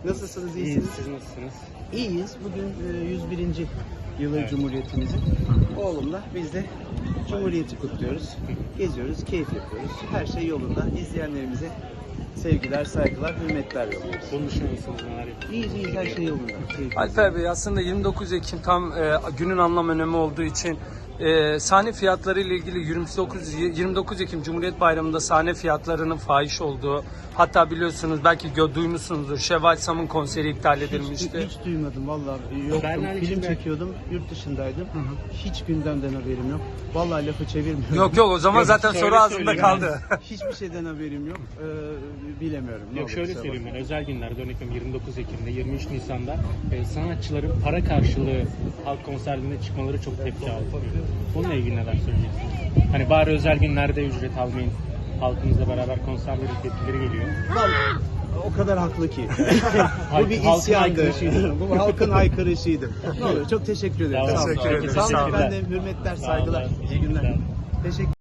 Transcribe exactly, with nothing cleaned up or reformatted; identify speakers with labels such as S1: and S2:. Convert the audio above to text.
S1: Nasılsınız,
S2: İyiyiz,
S1: iyisiniz?
S2: siz nasılsınız?
S1: İyiyiz. Bugün e, yüz birinci yılı
S2: Evet.
S1: Cumhuriyetimizin. Oğlumla biz de Cumhuriyeti kutluyoruz. Geziyoruz, keyif yapıyoruz. Her şey yolunda. İzleyenlerimize sevgiler, saygılar, hürmetler yolluyoruz.
S2: Bunun dışında nasılsınız, neler yapıyorsunuz?
S1: İyiyiz, iyiyiz. Her şey yolunda. Keyif.
S3: Alper Bey, aslında yirmi dokuz Ekim tam e, günün anlam önemi olduğu için e, sahne fiyatları ile ilgili yirmi dokuz yirmi dokuz Ekim Cumhuriyet Bayramı'nda sahne fiyatlarının fahiş olduğu, hatta biliyorsunuz belki gö- duymuşsunuzdur, Şevval Sam'ın konseri iptal
S1: Hiç,
S3: edilmişti.
S1: hiç duymadım vallahi, yoktum.
S2: Bernal
S1: Film
S2: içinde-
S1: çekiyordum, yurt dışındaydım. Hiç gündemden haberim yok. Vallahi lafı çevirmiyorum.
S3: Yok yok, o zaman
S2: Yok,
S3: zaten
S2: şöyle
S3: soru ağzında
S2: söyleyeyim
S3: kaldı.
S1: Hiçbir şeyden haberim yok. Ee, bilemiyorum. Ne
S2: Yok,
S1: olur,
S2: şöyle
S1: kusura
S2: söyleyeyim
S1: bakmayın.
S2: ben, özel günlerde örnek veriyorum yirmi dokuz Ekim'de, yirmi üç Nisan'da e, sanatçıların para karşılığı halk konserlerine çıkmaları çok tepki aldı. Bununla ilgili neler söyleyeceksiniz? Hani bari özel günlerde ücret almayın, halkımızla beraber konserlerin tepkileri geliyor.
S1: Vallahi o kadar haklı ki. Bu bir
S2: Halkın
S1: isyandı.
S2: haykırışıydı.
S1: Bu halkın haykırışıydı. Ne olur, çok teşekkür ederim.
S2: Sağ olun.
S1: Sağ olun.
S3: Teşekkür ederim.
S1: Sağ olun.
S3: Sağ olun.
S1: Ben de hürmetler,
S2: Sağ olun.
S1: saygılar. İyi günler. Teşekkür